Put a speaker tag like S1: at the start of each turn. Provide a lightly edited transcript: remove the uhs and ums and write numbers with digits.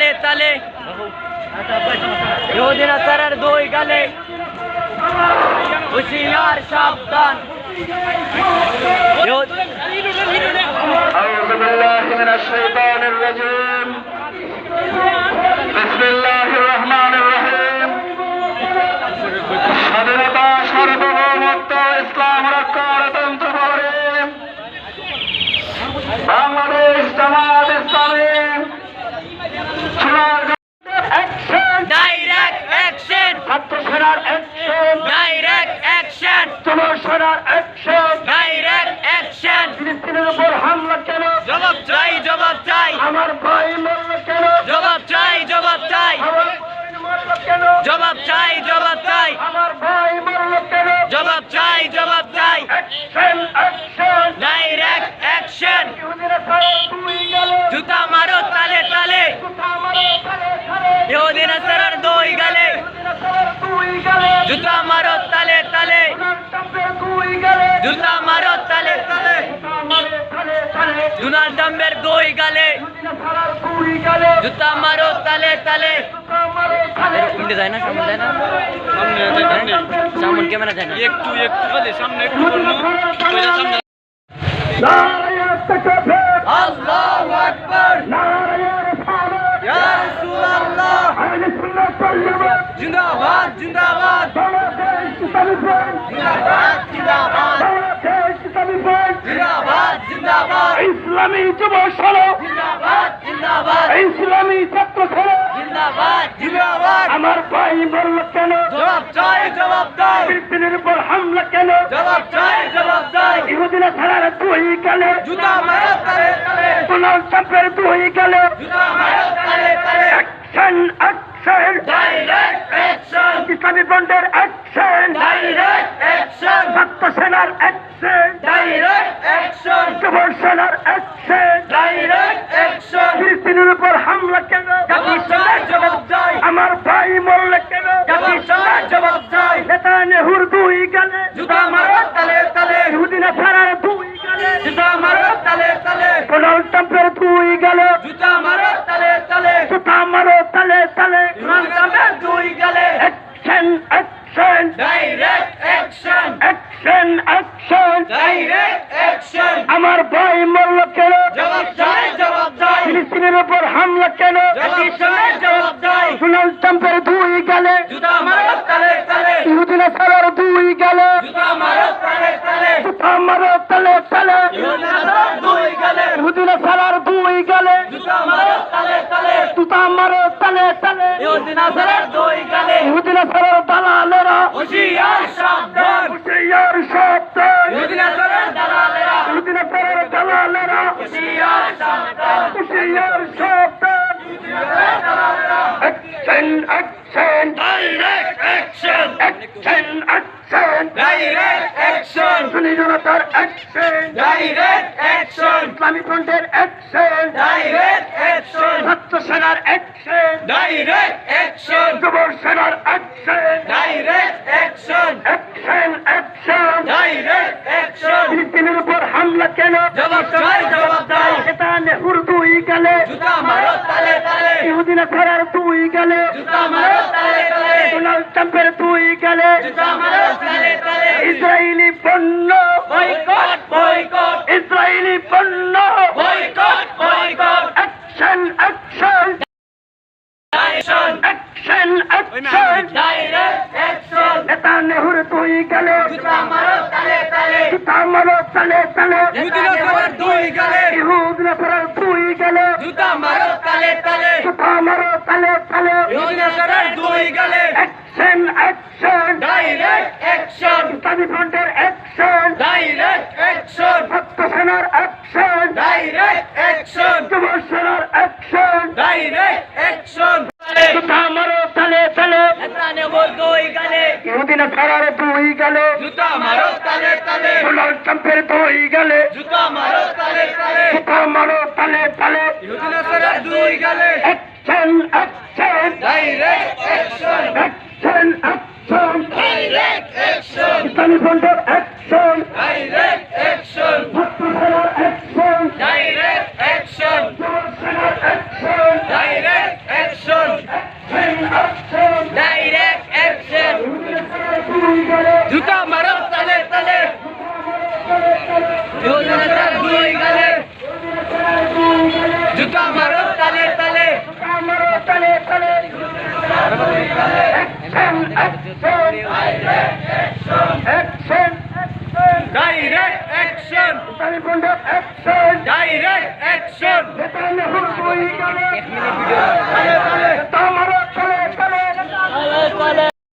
S1: তালে তালে ইহুদি নাসারার দুই গালে হুঁশিয়ার সাবধান
S2: أعوذ بالله من الشيطان الرجيم بسم الله الرحمن الرحيم স্বাধীনতা সার্বভৌমত্ব ইসলাম রক্ষার তন্ত্র বাংলাদেশ জামাত ইসলামী
S1: ডাইরেক্ট অ্যাকশন
S2: ছাত্র সেনার অ্যাকশন
S1: ডাইরেক্ট অ্যাকশন
S2: যুব সেনার অ্যাকশন
S1: ডাইরেক্ট অ্যাকশন
S2: ফিলিস্তিনের উপর হামলা কেন
S1: জবাব চাই জবাব চাই
S2: আমার ভাই মরল কেন
S1: জবাব চাই জবাব চাই
S2: আমার বোন মরল কেন
S1: জবাব চাই জবাব চাই
S2: আমার ভাই মরল কেন
S1: জবাব চাই জবাব চাই
S2: অ্যাকশন অ্যাকশন
S1: ডাইরেক্ট অ্যাকশন
S2: ইহুদিরা সারা দুই গেলে
S1: জুতা মারো তালে তালে
S2: জুতা মারো তালে তালে
S1: ইহুদি নাসারার দুই গালে
S2: ইহুদিরা সারা দুই গেলে
S1: জুতা মারো তালে তালে
S2: ডোনাল্ড ট্রাম্পের দুই গেলে
S1: জুতা মারো তালে তালে
S2: জুতা মারো তালে তালে
S1: ডোনাল্ড ট্রাম্পের দুই গালে
S2: ইহুদিরা সারা দুই গেলে
S1: জুতা মারো তালে তালে
S2: জুতা মারো তালে
S1: উল্টে যায় না সামনে যায় না সামনে ক্যামেরা যায় না
S3: একটু খালি সামনে একটু করবো সামনে
S2: নারায়ে তাকবীর
S1: আল্লাহু আকবার
S2: নারায়ে রিসালাত
S1: ইয়া রাসূলুল্লাহ
S2: আহলে সুন্নাত ওয়াল জামাত
S1: জিন্দাবাদ জিন্দাবাদ
S2: বাংলাদেশ ইসলামী ব্যাংক
S1: জিন্দাবাদ জিন্দাবাদ
S2: বাংলাদেশ ইসলামী ব্যাংক
S1: জিন্দাবাদ জিন্দাবাদ
S2: ইসলামী যুব সড়ক
S1: জিন্দাবাদ জিন্দাবাদ
S2: ইসলামী ছাত্র সড়ক
S1: জিন্দাবাদ জিন্দাবাদ
S2: আমার ভাই মরল কেন
S1: জবাব চাই জবাব চাই
S2: ফিলিস্তিনের উপর হামলা কেন
S1: জবাব চাই জবাব চাই
S2: ইহুদিরা ছাড়ার দুই গেলে
S1: জুতা মারো তালে তালে
S2: ডোনাল্ড ট্রাম্পের দুই গেলে
S1: জুতা মারো তালে তালে
S2: অ্যাকশন অ্যাকশন
S1: ডাইরেক্ট অ্যাকশন
S2: ইসলামী বন্ডের অ্যাকশন
S1: ডাইরেক্ট অ্যাকশন
S2: ছাত্র সেনার অ্যাকশন
S1: ডাইরেক্ট অ্যাকশন
S2: যুব সেনার অ্যাকশন
S1: ডাইরেক্ট অ্যাকশন
S2: ফিলিস্তিনের উপর হামলা কেন
S1: জবাব চাই জবাব চাই
S2: আমার ভাই মরল কেন
S1: জবাব চাই জবাব চাই
S2: নেতানিয়াহুর দুই গেলে
S1: জুতা মারো তালে তালে
S2: ইহুদিরা ছাড়ার দুই গেলে
S1: জুতা মারো তালে তালে
S2: ডোনাল্ড ট্রাম্পের দুই গেলে
S1: জুতা মারো তালে তালে
S2: জুতা মারো তালে তালে
S1: ডোনাল্ড ট্রাম্পের দুই গালে
S2: action action
S1: direct action
S2: action action
S1: direct action
S2: আমার ভাই মরল কেন
S1: জবাব চাই জবাব চাই
S2: ফিলিস্তিনের উপর হামলা কেন
S1: জবাব চাই জবাব চাই
S2: ডোনাল্ড ট্রাম্পের দুই গেলে
S1: জুতা মারো তালে তালে
S2: ইহুদিরা ছাড়ার দুই গেলে
S1: জুতা মারো তালে তালে
S2: জুতা মারো তালে তালে
S1: ইহুদি নাসারার দুই গালে
S2: ইহুদিরা ছাড়ার দুই গেলে
S1: জুতা মারো তালে তালে
S2: জুতা মারো তালে তালে
S1: ইহুদি নাসারার দুই গালে
S2: ইহুদিরা ছাড়ার দালালেরা
S1: হুঁশিয়ার সাবধান
S2: হুঁশিয়ার সাবধান
S1: ইহুদি নাসারার দালালেরা
S2: ইহুদিরা ছাড়ার দালালেরা
S1: হুঁশিয়ার সাবধান
S2: হুঁশিয়ার সাবধান action action
S1: direct action
S2: action action
S1: direct action
S2: সুন্নি জনতার অ্যাকশন
S1: ডাইরেক্ট অ্যাকশন
S2: ইসলামী ফ্রন্টের অ্যাকশন
S1: ডাইরেক্ট অ্যাকশন
S2: ছাত্র সেনার অ্যাকশন
S1: ডাইরেক্ট অ্যাকশন
S2: যুব সেনার action
S1: direct action
S2: action action
S1: direct action
S2: ফিলিস্তিনের উপর হামলা কেন
S1: জবাব চাই জবাব চাই
S2: নেতানিয়াহুর দুই গেলে
S1: জুতা মারো তালে তালে
S2: ইহুদিরা ছাড়ার দুই গেলে
S1: জুতা মারো তালে তালে
S2: ডোনাল্ড ট্রাম্পের দুই গেলে
S1: জুতা মারো তালে তালে
S2: ইসরায়েলি পণ্য
S1: বয়কট বয়কট
S2: ইসরায়েলি পণ্য
S1: boycott boycott
S2: action action
S1: action
S2: action action
S1: direct action
S2: নেতানিয়াহুর দুই গেলে
S1: জুতা মারো তালে তালে
S2: জুতা মারো তালে তালে
S1: ইহুদি নাসারার দুই গালে
S2: ইহুদিরা ছাড়ার দুই গেলে
S1: জুতা মারো তালে তালে
S2: জুতা মারো তালে তালে
S1: ইহুদি নাসারার দুই গালে
S2: অ্যাকশন অ্যাকশন
S1: ডাইরেক্ট অ্যাকশন
S2: ইসলামী ফ্রন্টের অ্যাকশন
S1: ডাইরেক্ট অ্যাকশন
S2: ছাত্র সেনার অ্যাকশন
S1: ডাইরেক্ট অ্যাকশন
S2: যুব সেনার অ্যাকশন
S1: ডাইরেক্ট অ্যাকশন
S2: জুতা মারো তালে তালে
S1: নেতানিয়াহুর দুই গালে
S2: ইহুদিরা ছাড়ার দুই গেলে
S1: জুতা মারো তালে তালে
S2: ডোনাল্ড ট্রাম্পের দুই গেলে
S1: জুতা মারো তালে তালে
S2: জুতা মারো তালে তালে
S1: ইহুদি নাসারার দুই গালে
S2: action action
S1: direct action
S2: action action
S1: direct action
S2: ইসলামী ফ্রন্টের অ্যাকশন
S1: ডাইরেক্ট অ্যাকশন
S2: ছাত্র সেনার অ্যাকশন
S1: ডাইরেক্ট অ্যাকশন
S2: যুব সেনার action
S1: direct
S2: Action!
S3: Direct action!
S2: Action!
S3: Direct action!
S2: নেতানিয়াহুর বই গেলে